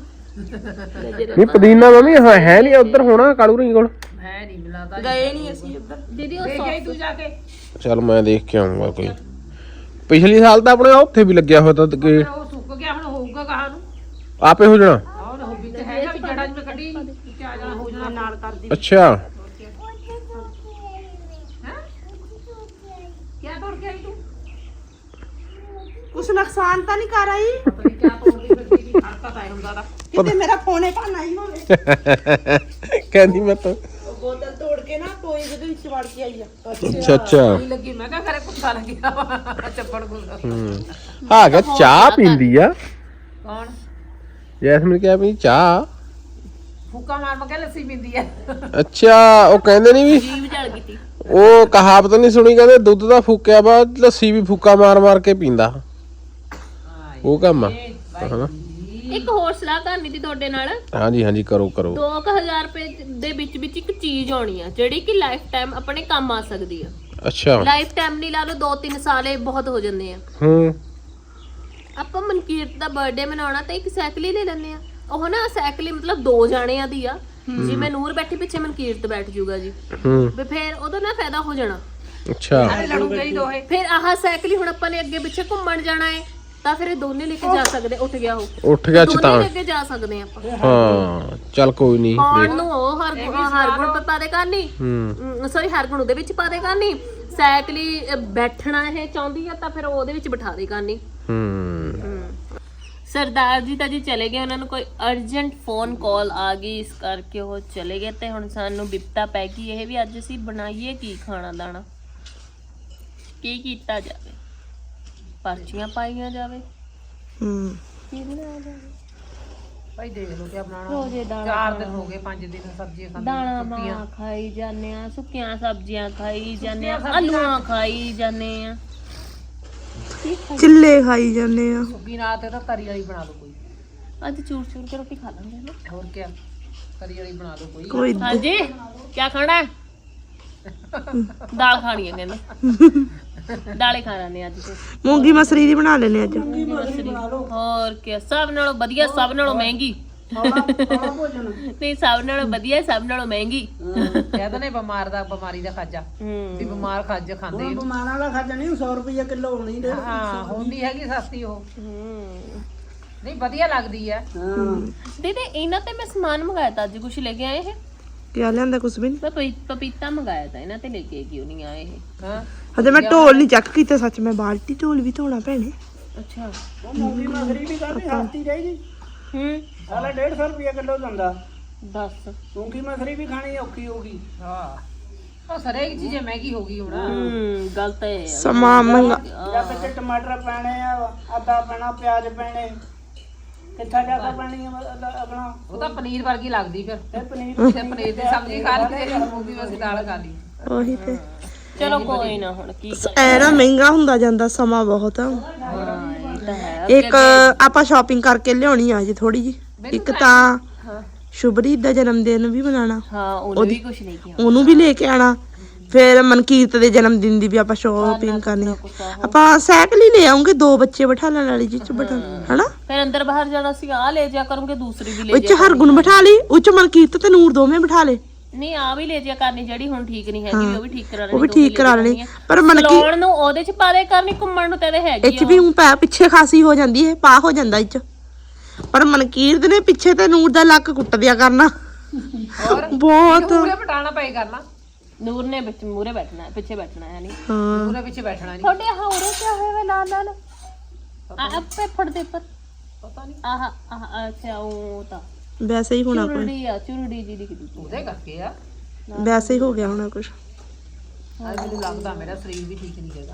[SPEAKER 3] ਨਹੀਂ ਪੁਦੀਨਾ ਮੰਮੀ ਹੈ ਨਹੀਂ ਉਧਰ ਹੋਣਾ ਕਾਲੂ ਰੀ ਕੋਲ।
[SPEAKER 4] ਹੈ ਨਹੀਂ ਮਿਲਾਦਾ
[SPEAKER 2] ਗਏ ਨਹੀਂ ਅਸੀਂ ਉੱਧਰ।
[SPEAKER 1] ਦੀਦੀ ਉਹ
[SPEAKER 4] ਦੇਖ ਆਈ ਤੂੰ ਜਾ ਕੇ।
[SPEAKER 3] ਚਲ ਮੈਂ ਦੇਖ ਕੇ ਆਉਂਗਾ ਕੋਈ। ਪਿਛਲੀ ਸਾਲ ਤਾਂ ਆਪਣੇ ਉੱਥੇ ਵੀ ਲੱਗਿਆ ਹੋਇਆ ਤਾਂ ਕਿ
[SPEAKER 4] ਫਿਰ ਉਹ ਸੁੱਕ ਗਿਆ, ਹੁਣ ਹੋਊਗਾ ਕਹਾਂ ਨੂੰ।
[SPEAKER 3] ਆਪੇ ਹੋ ਜਾਣਾ।
[SPEAKER 4] ਆਹ ਨਾ ਹੋਬੀ ਤੇ ਹੈਗਾ ਵੀ ਜੜਾ ਜਿਵੇਂ ਕੱਢੀ ਕਿ ਆ ਜਾਣਾ ਹੋ ਜਾਣਾ
[SPEAKER 2] ਨਾਲ ਕਰਦੀ
[SPEAKER 3] ਅੱਛਾ
[SPEAKER 4] ਹੈ। ਕਿਆ ਤੋੜ ਕੇ ਆਈ ਤੂੰ?
[SPEAKER 2] ਕੁਛ ਨੁਕਸਾਨ ਤਾਂ ਨਹੀਂ ਕਰ ਆਈ
[SPEAKER 4] ਪਤਾ ਨਹੀਂ ਕਿਆ ਤੋੜਦੀ ਫਿਰਦੀ ਦੀ ਹਰਕਤ ਆਈ ਹੁੰਦਾ ਦਾ।
[SPEAKER 2] ਕਿਤੇ ਮੇਰਾ ਫੋਨੇ ਭਾਣਾ ਹੀ ਹੋਵੇ।
[SPEAKER 3] ਕਹਿੰਦੀ ਮੈਂ ਤਾਂ
[SPEAKER 2] ਉਹ ਬੋਤਲ ਤੋੜ ਕੇ ਨਾ ਟੋਏ ਦੇ ਵਿੱਚ ਵੜ ਕੇ ਆਈ ਆ।
[SPEAKER 3] ਅੱਛਾ ਅੱਛਾ
[SPEAKER 4] ਨਹੀਂ ਲੱਗੀ, ਮੈਂ ਕਿਹਾ ਘਰੇ ਕੁੱਤਾ ਲੱਗਿਆ ਵਾ ਚੱਪੜ ਗੁੱਸਾ।
[SPEAKER 3] ਹੂੰ ਹਾਂ ਕਿ ਚਾਹ ਪੀਂਦੀ ਆ
[SPEAKER 4] ਕੌਣ?
[SPEAKER 3] ਜੈਸਮੀਨ ਕਿਹਾ ਵੀ ਚਾਹ।
[SPEAKER 4] ਫੂਕਾ ਮਾਰ ਮਕੇ ਲੱਸੀ ਪੀਂਦੀ ਆ।
[SPEAKER 3] ਅੱਛਾ ਉਹ ਕਹਿੰਦੇ ਨਹੀਂ ਵੀ
[SPEAKER 1] ਜੀਵ ਜਲ ਗਈ ਤੀ।
[SPEAKER 3] ਉਹ ਕਹਾਵਤ ਨਹੀਂ ਸੁਣੀ, ਕਹਿੰਦੇ ਦੁੱਧ ਦਾ ਫੂਕਿਆ ਬਾਅਦ ਲੱਸੀ ਵੀ ਫੂਕਾ ਮਾਰ ਮਾਰ ਕੇ ਪੀਂਦਾ। ਉਹ ਕੰਮ ਆ ਹਨਾ।
[SPEAKER 1] ਇੱਕ ਹੋਰ ਸਲਾਹ ਕਰਨੀ ਸੀ ਤੁਹਾਡੇ ਨਾਲ।
[SPEAKER 3] ਹਾਂਜੀ ਹਾਂਜੀ ਕਰੋ ਕਰੋ।
[SPEAKER 1] 2000 ਰੁਪਏ ਦੇ ਵਿੱਚ ਇੱਕ ਚੀਜ਼ ਆਉਣੀ ਆ ਜਿਹੜੀ ਕਿ ਲਾਈਫ ਟਾਈਮ ਆਪਣੇ ਕੰਮ ਆ ਸਕਦੀ ਆ।
[SPEAKER 3] ਅੱਛਾ
[SPEAKER 1] ਲਾਈਫ ਟਾਈਮ ਨਹੀਂ ਲਾ ਲਓ, 2-3 ਸਾਲ ਇਹ ਬਹੁਤ ਹੋ ਜਾਂਦੇ ਆ।
[SPEAKER 3] ਹੂੰ
[SPEAKER 1] ਆਪਾਂ ਮਨਕੀਰਤ ਦਾ ਬਰਥਡੇ ਮਨਾਉਣਾ ਤਾਂ ਇੱਕ ਸਾਈਕਲ ਹੀ ਲੈ ਲੈਂਦੇ ਆ। ਉਹ ਨਾ ਸਾਈਕਲ ਮਤਲਬ 2 ਜਾਣਿਆਂ ਦੀ ਆ, ਜਿਵੇਂ ਨੂਰ ਬੈਠੀ ਪਿੱਛੇ ਮਨਕੀਰਤ ਬੈਠ ਜੂਗਾ ਜੀ,
[SPEAKER 3] ਹੂੰ
[SPEAKER 1] ਵੀ ਫੇਰ ਉਹਦਾ ਨਾ ਫਾਇਦਾ ਹੋ ਜਾਣਾ।
[SPEAKER 3] ਅੱਛਾ
[SPEAKER 4] ਨਾਲੇ ਲੜੂਗੇ ਹੀ ਦੋਹੇ।
[SPEAKER 1] ਫਿਰ ਆਹ ਸਾਈਕਲ ਹੀ ਹੁਣ ਆਪਾਂ ਨੇ ਅੱਗੇ ਪਿੱਛੇ ਘੁੰਮਣ ਜਾਣਾ ਹੈ ਤਾਂ ਫਿਰ ਇਹ ਦੋਨੇ ਲੈ ਕੇ ਜਾ ਸਕਦੇ। ਉੱਠ ਗਿਆ ਉਹ,
[SPEAKER 3] ਉੱਠ ਗਿਆ
[SPEAKER 1] ਦੋਨੇ
[SPEAKER 3] ਚਤਾਨ
[SPEAKER 1] ਲੈ ਕੇ ਜਾ ਸਕਦੇ ਆਪਾਂ।
[SPEAKER 3] ਹਾਂ ਚੱਲ ਕੋਈ ਨਹੀਂ
[SPEAKER 1] ਪਾਉਣ ਨੂੰ ਉਹ ਹਰਗੁਣ ਪਾ ਦੇ ਕਰਨੀ, ਸੌਰੀ ਹਰਗੁਣ ਉਹਦੇ ਵਿੱਚ ਪਾ ਦੇ ਕਰਨੀ, ਸਾਈਕਲ ਹੀ ਬੈਠਣਾ ਇਹ ਚਾਹੁੰਦੀ ਆ ਤਾਂ ਫਿਰ ਉਹਦੇ ਵਿੱਚ ਬਿਠਾ ਦੇ ਕਰਨੀ। ਸਰਦਾਰ ਜੀ ਤਾਂ ਜੀ ਚਲੇ ਗਏ, ਉਹਨਾਂ ਨੂੰ ਕੋਈ ਅਰਜੈਂਟ ਫੋਨ ਕਾਲ ਆ ਗਈ, ਇਸ ਕਰਕੇ ਉਹ ਚਲੇ ਗਏ ਤੇ ਹੁਣ ਸਾਨੂੰ ਬਿਪਤਾ ਪੈ ਗਈ ਇਹ ਵੀ ਅੱਜ ਅਸੀਂ ਬਣਾਈਏ ਕੀ ਖਾਣਾ ਦਾਣਾ, ਕੀ ਕੀਤਾ ਜਾਵੇ, ਪਰਚੀਆਂ ਪਾਈਆਂ ਜਾਵੇ, ਕੀ ਬਣਾਇਆ ਜਾਵੇ।
[SPEAKER 4] ਭਾਈ ਦੇਖ ਲਓ ਕੀ ਬਣਾਉਣਾ।
[SPEAKER 1] ਰੋਜ਼ੇ ਦਾਣਾ
[SPEAKER 4] 4 ਦਿਨ ਹੋ ਗਏ 5 ਦਿਨ ਸਬਜ਼ੀਆਂ ਖਾਂਦੇ।
[SPEAKER 1] ਦਾਣਾ ਮਾਂ ਖਾਈ ਜਾਂਦੇ ਆ, ਸੁੱਕੀਆਂ ਸਬਜ਼ੀਆਂ ਖਾਈ ਜਾਂਦੇ ਆ, ਆਲੂਆਂ ਖਾਈ ਜਾਂਦੇ ਆ,
[SPEAKER 5] ਚਿੱਲੇ ਖਾਈ ਜਾਂਦੇ ਆ।
[SPEAKER 4] ਸੁੱਕੀ ਨਾਲ ਤੇ ਤਾਂ ਤਰੀ ਵਾਲੀ ਬਣਾ ਲਓ ਕੋਈ।
[SPEAKER 1] ਅੱਜ ਚੂਰ ਚੂਰ ਕੇ ਰੋਟੀ ਖਾ ਲਾਂਗੇ ਨਾ।
[SPEAKER 4] ਹੋਰ ਕੀ, ਤਰੀ ਵਾਲੀ ਬਣਾ ਲਓ ਕੋਈ।
[SPEAKER 5] ਕੋਈ
[SPEAKER 1] ਹਾਂਜੀ ਕੀ ਖਾਣਾ ਹੈ? ਦਾਲ ਖਾਣੀ ਹੈ ਕਹਿੰਦੇ, ਦਾਲੇ ਖਾ ਲੈਣੇ ਅੱਜ ਤੇ।
[SPEAKER 5] ਮੂੰਗੀ ਮਸਰੀ ਦੀ ਬਣਾ ਲੈਨੇ ਅੱਜ।
[SPEAKER 1] ਹੋਰ ਕੀ, ਸਭ ਨਾਲੋਂ ਵਧੀਆ, ਸਭ ਨਾਲੋਂ ਮਹਿੰਗੀ। ਨਹੀਂ ਸਭ ਨਾਲੋਂ ਵਧੀਆ, ਸਭ ਨਾਲੋਂ ਮਹਿੰਗੀ।
[SPEAKER 4] ਕਹਿੰਦੇ ਨੇ ਬਿਮਾਰੀ ਦਾ ਖਾਜਾ, ਵੀ ਬਿਮਾਰ ਖੱਜ ਖਾਂਦੇ।
[SPEAKER 2] ਬਿਮਾਰਾਂ ਦਾ ਖਾਜਾ ਨਹੀਂ 100 ਰੁਪਏ ਕਿਲੋ ਹੋਣੀ ਦੇ।
[SPEAKER 4] ਹਾਂ ਹੁੰਦੀ ਹੈਗੀ ਸਸਤੀ ਉਹ। ਨਹੀਂ ਵਧੀਆ ਲੱਗਦੀ ਆ।
[SPEAKER 1] ਦੀਦੀ ਇਹਨਾਂ ਤੇ ਮੈਂ ਸਮਾਨ ਮੰਗਾਇਆ ਤਾਂ ਅੱਜ ਕੁਝ ਲੈ ਕੇ ਆਏ ਇਹ।
[SPEAKER 5] ਕਿਆ ਲਿਆਂਦਾ ਕੁਛ ਵੀ ਨਹੀਂ।
[SPEAKER 1] ਪਪੀਤਾ ਮੰਗਾਇਆ ਤਾਂ ਇਹਨਾਂ ਤੇ ਲੈ ਕੇ ਕਿਉਂ ਨਹੀਂ ਆਏ ਇਹ।
[SPEAKER 4] ਹਾਂ
[SPEAKER 5] ਹਜੇ ਮੈਂ ਢੋਲ ਨਹੀਂ ਚੱਕ ਕੀਤਾ, ਸੱਚ ਮੈਂ ਬਾਲਟੀ ਢੋਲ ਵੀ ਧੋਣਾ ਭੈਣੇ।
[SPEAKER 1] ਅੱਛਾ
[SPEAKER 2] ਮੂੰਗੀ ਮਸਰੀ ਵੀ ਕਰਨੀ ਸਸਤੀ ਰਹੇਗੀ, ਸਾਲਾ 150 ਰੁਪਏ ਕਿਲੋ ਦਿੰਦਾ।
[SPEAKER 1] ਦੱਸ
[SPEAKER 2] ਮੂੰਗੀ ਮਸਰੀ ਵੀ ਖਾਣੀ ਔਖੀ ਹੋਗੀ।
[SPEAKER 4] ਹਾਂ ਉਹ ਸਰੇਕ ਚੀਜ਼ ਮਹਿੰਗੀ ਹੋ ਗਈ ਹੁਣ।
[SPEAKER 1] ਗਲਤ ਹੈ
[SPEAKER 5] ਸਮਾਂ ਮਹਿੰਗਾ।
[SPEAKER 2] ਜਾਂ ਵਿੱਚ ਟਮਾਟਰ ਪੈਣੇ ਆ, ਆਦਾ ਪੈਣਾ, ਪਿਆਜ਼ ਪੈਣੇ, ਕਿੱਥਾ ਜ਼ਿਆਦਾ ਪੈਣੀ ਆਪਣਾ।
[SPEAKER 4] ਉਹ ਤਾਂ ਪਨੀਰ ਵਰਗੀ ਲੱਗਦੀ ਫਿਰ।
[SPEAKER 2] ਇਹ ਪਨੀਰ
[SPEAKER 4] ਤੇ ਪਨੀਰ ਦੀ ਸਬਜ਼ੀ ਖਾ ਲਈ ਤੇ ਮੂੰਗੀ ਵਸੀ ਦਾਲ ਖਾ ਲਈ।
[SPEAKER 5] ਉਹੀ ਤੇ
[SPEAKER 1] ਚਲੋ ਕੋਈ ਨਾ, ਹੁਣ ਕੀ
[SPEAKER 5] ਐ ਨਾ ਮਹਿੰਗਾ ਹੁੰਦਾ ਜਾਂਦਾ ਸਮਾਂ ਬਹੁਤ।
[SPEAKER 1] ਇਹ ਤਾਂ ਹੈ।
[SPEAKER 5] ਇੱਕ ਆਪਾਂ ਸ਼ਾਪਿੰਗ ਕਰਕੇ ਲਿਆਉਣੀ ਆ ਜੀ ਥੋੜੀ ਜੀ। ਇੱਕ ਤਾਂ ਸ਼ੁਭਰੀਤ ਦਾ ਜਨਮ ਦਿਨ ਵੀ ਮਨਾਣਾ,
[SPEAKER 1] ਹਾਂ ਉਹਨੇ ਵੀ ਕੁਝ ਨਹੀਂ ਕੀਤਾ।
[SPEAKER 5] ਉਹਨੂੰ ਵੀ ਲੈ ਕੇ ਆਣਾ। ਫਿਰ ਮਨਕੀਰਤ ਦੇ ਜਨਮ ਦਿਨ ਦੀ ਵੀ ਆਪਾਂ ਸ਼ਾਪਿੰਗ ਕਰਨੀ ਆ। ਆਪਾਂ ਸਾਈਕਲ ਹੀ ਲੈ ਆਉਂਗੇ, 2 ਬੱਚੇ ਬਿਠਾਲਣ ਵਾਲੀ ਜੀ ਚ ਬਟਨ, ਹਨਾ।
[SPEAKER 1] ਫਿਰ ਅੰਦਰ ਬਾਹਰ ਜਾਣਾ ਸੀ, ਆ ਲੈ ਜਾ ਕਰੂੰਗੇ, ਦੂਸਰੀ ਵੀ ਲੈ
[SPEAKER 5] ਉੱਚ
[SPEAKER 1] ਜਾ।
[SPEAKER 5] ਹਰਗੁਣ ਬਿਠਾ ਲਈ, ਉੱਚ ਮਨਕੀਰਤ ਤੇ ਨੂਰ ਦੋਵੇਂ ਬਿਠਾ ਲੇ।
[SPEAKER 1] ਨਹੀਂ ਆ ਵੀ ਲੈ ਜਾ ਕਰਨੀ ਜਿਹੜੀ ਹੁਣ ਠੀਕ ਨਹੀਂ ਹੈਗੀ, ਉਹ ਵੀ ਠੀਕ ਕਰਾ ਲੈਣੀ।
[SPEAKER 5] ਉਹ ਵੀ ਠੀਕ ਕਰਾ ਲੈਣੀ, ਪਰ ਮਨਕੀ
[SPEAKER 1] ਲਾਉਣ ਨੂੰ ਉਹਦੇ ਚ ਪਾ ਦੇ ਕਰਨੀ, ਘੁੰਮਣ ਨੂੰ ਤੇਰੇ ਹੈਗੀ
[SPEAKER 5] ਇੱਚ ਵੀ ਪਿੱਛੇ ਖਾਸੀ ਹੋ ਜਾਂਦੀ ਹੈ, ਪਾ ਹੋ ਜਾਂਦਾ ਇੱਚ। ਪਰ ਮਨਕੀਰਤ ਨੇ ਪਿੱਛੇ ਤੇ ਨੂਰ ਦਾ ਲੱਕ ਕੁੱਟ ਦਿਆ ਕਰਨਾ
[SPEAKER 4] ਹੋਰ
[SPEAKER 5] ਬਹੁਤ।
[SPEAKER 4] ਪੂਰੇ ਪਟਾਣਾ ਪਏ ਕਰਨਾ।
[SPEAKER 1] ਨੂਰ ਨੇ ਵਿੱਚ ਮੂਰੇ ਬੈਠਣਾ ਹੈ, ਪਿੱਛੇ ਬੈਠਣਾ ਹੈ ਨਹੀਂ।
[SPEAKER 5] ਹਾਂ
[SPEAKER 4] ਪੂਰੇ ਪਿੱਛੇ ਬੈਠਣਾ ਨਹੀਂ।
[SPEAKER 1] ਤੁਹਾਡੇ ਆਹ ਉਰੇ ਕਿਆ ਹੋਇਆ ਵਾ ਲਾਲ ਲਾਲ? ਆਪੇ ਫੜ ਦੇ ਪਰ
[SPEAKER 4] ਪਤਾ ਨਹੀਂ
[SPEAKER 1] ਆਹ ਅੱਛਾ ਉਹ ਤਾਂ
[SPEAKER 5] ਵੈਸੇ ਹੀ ਹੋਣਾ ਕੋਈ,
[SPEAKER 1] ਚੁਰੜੀ ਜੀ ਦਿਖਦੀ।
[SPEAKER 4] ਉਹਦੇ ਕਰਕੇ ਆ।
[SPEAKER 5] ਵੈਸੇ ਹੀ ਹੋ ਗਿਆ ਹੋਣਾ ਕੁਛ।
[SPEAKER 4] ਅੱਜ ਮੈਨੂੰ ਲੱਗਦਾ ਮੇਰਾ ਸਰੀਰ ਵੀ ਠੀਕ ਨਹੀਂ ਹੈਗਾ।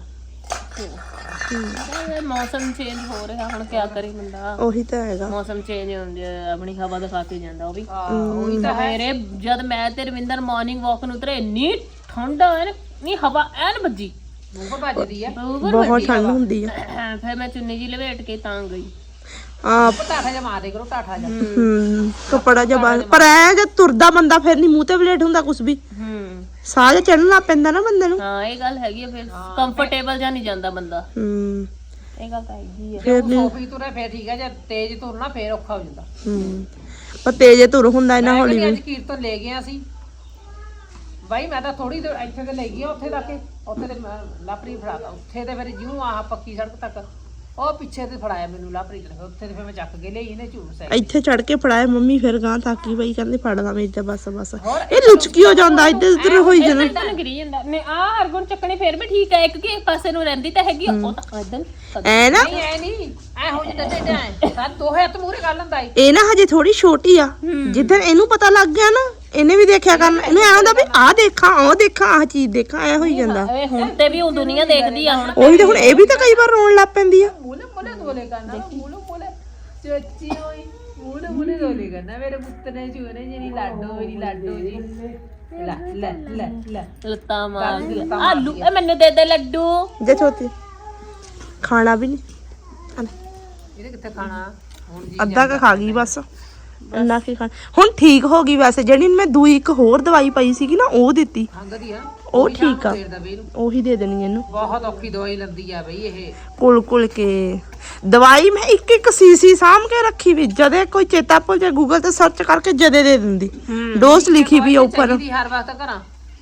[SPEAKER 1] ਮੌਸਮ ਚੇਂਜ ਹੋ ਰਿਹਾ, ਹੁਣ ਕਿਆ ਕਰੇ ਬੰਦਾ।
[SPEAKER 5] ਉਹੀ ਤਾਂ ਹੈਗਾ।
[SPEAKER 1] ਮੌਸਮ ਚੇਂਜ ਹੁੰਦੇ ਆਪਣੀ ਹਵਾ ਦਿਖਾ ਕੇ ਜਾਂਦਾ ਉਹ ਵੀ।
[SPEAKER 4] ਉਹੀ ਤਾਂ ਹੈ।
[SPEAKER 1] ਮੇਰੇ ਜਦ ਮੈਂ ਤੇ ਰਵਿੰਦਰ ਮਾਰਨਿੰਗ ਵਾਕ ਨੂੰ ਉਤਰੇ, ਇੰਨੀ ਠੰਡ ਐਨ, ਨਹੀਂ ਹਵਾ ਐਨ ਵੱਜੀ,
[SPEAKER 4] ਮੂੰਹ ਭੱਜਦੀ ਆ।
[SPEAKER 5] ਬਹੁਤ ਠੰਡ ਹੁੰਦੀ ਆ।
[SPEAKER 1] ਫਿਰ ਮੈਂ ਚੁੰਨੀ ਜੀ ਲਵੇਟ ਕੇ ਤਾਂ ਗਈ।
[SPEAKER 4] ਟਾਠਾ ਜਿਹਾ ਮਾਰ ਦੇ ਕਰੋ, ਟਾਠਾ ਜਿਹਾ।
[SPEAKER 5] ਕੱਪੜਾ ਜਿਹਾ ਬਾਹਰ, ਪਰ ਐ ਜੇ ਤੁਰਦਾ ਬੰਦਾ ਫਿਰ ਨਹੀਂ ਮੂੰਹ ਤੇ ਬਲੇਟ ਹੁੰਦਾ ਕੁਛ ਵੀ। ਸਾਹ ਜਿਹਾ ਚੜਨ ਲੱਗ ਪੈਂਦਾ ਨਾ ਬੰਦੇ ਨੂੰ।
[SPEAKER 1] ਹਾਂ ਇਹ ਗੱਲ ਹੈਗੀ ਆ, ਫਿਰ ਕੰਫਰਟੇਬਲ ਜਾਂ ਨਹੀਂ ਜਾਂਦਾ ਬੰਦਾ। ਇਹ ਗੱਲ ਤਾਂ ਹੈਗੀ ਆ।
[SPEAKER 4] ਜੇ ਸੋਫੀ ਤੁਰੇ ਫੇਰ ਠੀਕ ਆ, ਜੇ ਤੇਜ਼ ਤੁਰਨਾ ਫੇਰ ਔਖਾ ਹੋ ਜਾਂਦਾ।
[SPEAKER 5] ਪਰ ਤੇਜੇ ਤੁਰ ਹੁੰਦਾ ਇਹਨਾਂ ਹੌਲੀ ਵੀ।
[SPEAKER 4] ਅੱਜ ਕੀਰਤਨ ਲੈ ਗਏ ਅਸੀਂ ਬਾਈ, ਮੈਂ ਤਾਂ ਥੋੜੀ ਦੇਰ ਇੱਥੇ ਤੇ ਲੈ ਗਈ, ਉੱਥੇ ਤੱਕ, ਉੱਥੇ ਤੇ ਲਾਪਰੀ ਫੜਾਤਾ, ਉੱਥੇ ਤੇ ਫਿਰ ਜਿਉਂ ਆਹ ਪੱਕੀ ਸੜਕ ਤੱਕ ਉਹ ਪਿੱਛੇ ਤੇ ਫੜਾਇਆ ਮੈਨੂੰ ਲਾਪਰੀ ਤੇ, ਉੱਥੇ ਤੇ ਫਿਰ ਮੈਂ ਚੱਕ ਕੇ ਲਈ ਇਹਨੇ ਝੂਠ ਸੈ।
[SPEAKER 5] ਇੱਥੇ ਚੜ ਕੇ ਫੜਾਇਆ ਮੰਮੀ, ਫਿਰ ਗਾਂ ਤਾਕੀ ਬਈ ਕਹਿੰਦੇ ਫੜਦਾ ਮੈਂ ਇੱਥੇ ਬਸ ਇਹ ਲੁਚਕੀ ਹੋ ਜਾਂਦਾ, ਇੱਧਰ ਉੱਧਰ ਹੋਈ ਜਾਂਦਾ।
[SPEAKER 1] ਤਾਂ ਗਿਰੀ ਜਾਂਦਾ ਨੇ ਆ ਹਰਗੁਣ ਚੱਕਣੀ ਫਿਰ ਵੀ ਠੀਕ ਹੈ, ਇੱਕ ਕਿ ਇੱਕ ਪਾਸੇ ਨੂੰ ਰਹਿੰਦੀ ਤਾਂ ਹੈਗੀ, ਉਹ ਤਾਂ ਇਦਾਂ
[SPEAKER 5] ਐ ਨਾ
[SPEAKER 4] ਨਹੀਂ ਐ ਹੋ ਜਾਂਦਾ ਤੇ ਐ ਸਾਡ ਦੋਹੇ ਹੱਥ ਮੂਹਰੇ ਕਰ ਲੈਂਦਾ ਈ।
[SPEAKER 5] ਇਹ ਨਾ ਹਜੇ ਥੋੜੀ ਛੋਟੀ ਆ, ਜਿੱਦਣ ਇਹਨੂੰ ਪਤਾ ਲੱਗ ਗਿਆ ਨਾ ਇਹਨੇ ਵੀ ਦੇਖਿਆ ਕਰਨਾ, ਇਹਨੂੰ ਐਂ ਹੁੰਦਾ ਵੀ ਆਹ ਦੇਖਾਂ, ਉਹ ਦੇਖਾਂ, ਆਹ ਚੀਜ਼ ਦੇਖਾਂ, ਐ ਹੋਈ ਜਾਂਦਾ।
[SPEAKER 1] ਓਏ ਹੁਣ ਤੇ ਵੀ ਉਹ ਦੁਨੀਆ ਦੇਖਦੀ ਆ ਹੁਣ।
[SPEAKER 5] ਉਹੀ ਤਾਂ ਹੁਣ ਇਹ ਵੀ ਤਾਂ ਕਈ ਵਾਰ ਰੋਣ ਲੱਗ ਪੈਂਦੀ ਆ।
[SPEAKER 4] ਮੂਲੇ ਮੂਲੇ ਦੋਲੇ ਕਰਨਾ, ਮੂਲੇ ਮੂਲੇ ਚੋਚੀ ਹੋਈ, ਮੂਲੇ ਮੂਲੇ ਦੋਲੇ ਕਰਨਾ, ਮੇਰੇ ਪੁੱਤ ਨੇ ਚੂਨੇ ਜਿਹੜੀ ਲਾਡੋ, ਮੇਰੀ ਲਾਡੋ ਜੀ। ਲੈ ਲੈ ਲੈ ਲੈ
[SPEAKER 1] ਲੱਤਾਂ ਮਾਰਦੀ ਆ। ਆਲੂ ਇਹ ਮੈਨੂੰ ਦੇ ਦੇ ਲੱਡੂ।
[SPEAKER 5] ਜੇ ਛੋਟੀ ਖਾਣਾ ਵੀ ਨਹੀਂ,
[SPEAKER 4] ਇਹਨੇ ਕਿੱਥੇ ਖਾਣਾ ਹੁਣ ਜੀ।
[SPEAKER 5] ਅੱਧਾ ਕ ਖਾ ਗਈ ਬਸ, ਇੰਨਾ ਕੀ ਖਾਣਾ। ਹੁਣ ਠੀਕ ਹੋ ਗਈ ਵੈਸੇ, ਜਿਹੜੀ ਮੈਂ ਦੂਈ ਇੱਕ ਹੋਰ ਦਵਾਈ ਪਈ ਸੀਗੀ ਨਾ ਉਹ ਦਿੱਤੀ,
[SPEAKER 4] ਹੰਗਦੀ ਆ
[SPEAKER 5] ਉਹ ਠੀਕ ਆ,
[SPEAKER 4] ਫੇਰ ਦਾ ਬਈ ਨੂੰ
[SPEAKER 5] ਉਹੀ ਦੇ ਦੇਣੀ ਇਹਨੂੰ।
[SPEAKER 4] ਬਹੁਤ ਔਖੀ ਦਵਾਈ ਲੰਦੀ ਆ ਬਈ ਇਹ।
[SPEAKER 5] ਕੁਲ ਕੇ ਦਵਾਈ ਮੈਂ ਇੱਕ ਇੱਕ ਸੀਸੀ ਸਾਂਭ ਕੇ ਰੱਖੀ ਵੀ, ਜਦੇ ਕੋਈ ਚੇਤਾ ਭੁੱਲ ਜਾ ਗੂਗਲ ਤੇ ਸਰਚ ਕਰਕੇ ਜਦੇ ਦੇ ਦਿੰਦੀ। ਡੋਜ਼ ਲਿਖੀ ਵੀ ਆ ਉੱਪਰ।
[SPEAKER 4] ਦੀ ਹਰ ਵਕਤ ਕਰਾਂ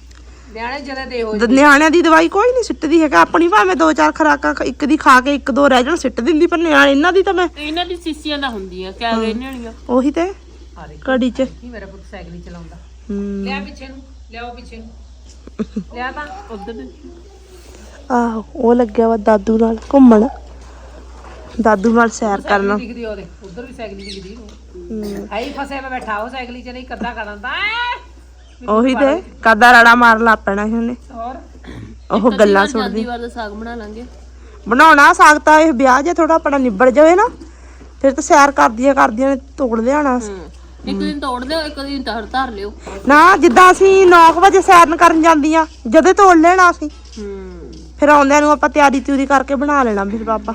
[SPEAKER 4] ਨਿਆਣੇ ਜਦੇ ਦੇ ਹੋ
[SPEAKER 5] ਨਿਆਣਿਆਂ ਦੀ ਦਵਾਈ ਕੋਈ ਨਹੀਂ ਸਿੱਟਦੀ ਹੈਗਾ, ਆਪਣੀ ਭਾਵੇਂ 2-4 ਖੁਰਾਕਾਂ ਇੱਕ ਦੀ ਖਾ ਕੇ 1-2 ਰਹਿ ਜਾਣ ਸਿੱਟ ਦਿੰਦੀ, ਪਰ ਨਿਆਣੇ ਇਹਨਾਂ ਦੀ ਤਾਂ ਮੈਂ
[SPEAKER 1] ਇਹਨਾਂ ਦੀ ਸੀਸੀਆਂ ਦਾ ਹੁੰਦੀਆਂ ਕਿਆ ਇਹਨਾਂ ਦੀਆਂ
[SPEAKER 5] ਉਹੀ ਤੇ ਘੜੀ 'ਚ
[SPEAKER 4] ਕੀ ਮੇਰਾ ਪੁੱਤ ਸਾਈਕਲ ਹੀ ਚਲਾਉਂਦਾ
[SPEAKER 5] ਹੂੰ।
[SPEAKER 4] ਲਿਆ ਪਿੱਛੇ ਨੂੰ ਲਿਆਓ ਪਿੱਛੇ ਨੂੰ ਲਿਆ ਤਾਂ
[SPEAKER 1] ਉਧਰ
[SPEAKER 5] ਆਹੋ ਉਹ ਲੱਗਿਆ ਵਾ ਦਾਦੂ ਨਾਲ ਘੁੰਮਣ, ਦਾਦੂ ਨਾਲ ਸੈਰ ਕਰਨਾ।
[SPEAKER 4] ਦਿਖਦੀ ਉਹਦੇ ਉਧਰ ਵੀ ਸਾਈਕਲ ਦਿਖਦੀ ਹੈ ਹੀ ਫਸੇ ਮੈਂ ਬੈਠਾ ਉਹ ਸਾਈਕਲ 'ਚ ਨਹੀਂ ਕੱਦਾ ਕਰਦਾ
[SPEAKER 5] ਉਹੀ ਤੇ ਕਾਦਾ ਰੜਾ ਮਾਰ ਲਾ ਪੈਣਾ ਸੀ ਉਹਨੇ,
[SPEAKER 4] ਹੋਰ
[SPEAKER 5] ਉਹ ਗੱਲਾਂ
[SPEAKER 1] ਜਾਂਦੀ
[SPEAKER 5] ਸੁਣਦੀ।
[SPEAKER 1] ਵਾਰ ਦਾ ਸਾਗ ਬਣਾ ਲਾਂਗੇ।
[SPEAKER 5] ਬਣਾਉਣਾ ਸਾਗ ਤਾਂ ਇਹ ਵਿਆਹ ਜੇ ਥੋੜਾ ਆਪਣਾ ਨਿਬੜ ਜਾਵੇ ਨਾ, ਫਿਰ ਤਾਂ ਸੈਰ ਕਰਦੀਆਂ ਨੇ ਤੋੜ ਲਿਆਣਾ।
[SPEAKER 1] ਇੱਕ ਦਿਨ ਤੋੜ ਦਿਓ, ਇੱਕ ਦਿਨ ਧਰ ਲਿਓ।
[SPEAKER 5] ਨਾ ਜਿੱਦਾਂ ਅਸੀਂ 9 ਵਜੇ ਸੈਰ ਕਰਨ ਜਾਂਦੀਆਂ ਜਦੇ ਤੋੜ ਲੈਣਾ ਅਸੀਂ, ਫਿਰ ਆਉਂਦਿਆਂ ਨੂੰ ਆਪਾਂ ਤਿਆਰੀ ਤਿਉਰੀ ਕਰਕੇ ਬਣਾ ਲੈਣਾ ਫਿਰ ਪਾਪਾ।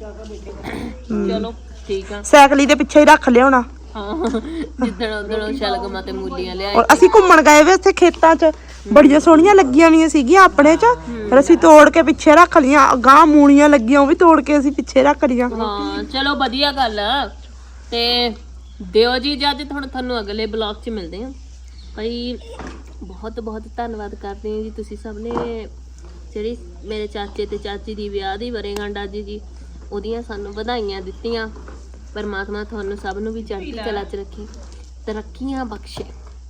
[SPEAKER 1] ਚਲੋ ਠੀਕ ਆ।
[SPEAKER 5] ਸਾਈਕਲੀ ਦੇ ਪਿੱਛੇ ਹੀ ਰੱਖ ਲਿਆਉਣਾ।
[SPEAKER 1] ਹਾਂ ਜਿੱਦਣ ਉਧਰ ਸ਼ਲਗਮਾਂ ਤੇ ਮੂਲੀਆਂ ਲਿਆਏ।
[SPEAKER 5] ਔਰ ਅਸੀਂ ਘੁੰਮਣ ਗਏ ਵੇ ਉੱਥੇ ਖੇਤਾਂ 'ਚ, ਬੜੀਆਂ ਸੋਹਣੀਆਂ ਲੱਗੀਆਂ ਵੀਆਂ ਸੀਗੀਆਂ ਆਪਣੇ 'ਚ, ਫਿਰ ਅਸੀਂ ਤੋੜ ਕੇ ਪਿੱਛੇ ਰੱਖ ਲੀਆਂ। ਗਾਂ ਮੂਲੀਆਂ ਲੱਗੀਆਂ ਉਹ ਵੀ ਤੋੜ ਕੇ ਅਸੀਂ ਪਿੱਛੇ ਰੱਖ ਲੀਆਂ।
[SPEAKER 1] ਹਾਂ ਚਲੋ ਵਧੀਆ ਗੱਲ ਆ। ਤੇ ਦਿਓ ਜੀ ਇਜਾਜ਼ਤ, ਹੁਣ ਤੁਹਾਨੂੰ ਅਗਲੇ ਬਲੌਗ 'ਚ ਮਿਲਦੇ ਹਾਂ ਭਾਈ। ਬਹੁਤ ਬਹੁਤ ਧੰਨਵਾਦ ਕਰਦੇ ਹਾਂ ਜੀ ਤੁਸੀਂ ਸਭ ਨੇ, ਜਿਹੜੀ ਮੇਰੇ ਚਾਚੇ ਤੇ ਚਾਚੀ ਦੀ ਵਿਆਹ ਦੀ ਵਰ੍ਹੇਗੰਢ ਅੱਜ ਜੀ, ਉਹਦੀਆਂ ਸਾਨੂੰ ਵਧਾਈਆਂ ਦਿੱਤੀਆਂ। ਪਰਮਾਤਮਾ ਤੁਹਾਨੂੰ ਸਭ ਨੂੰ ਵੀ ਚੜ੍ਹਦੀ ਕਲਾ 'ਚ ਰੱਖੇ, ਤਰੱਕੀਆਂ ਬਖਸ਼ੇ,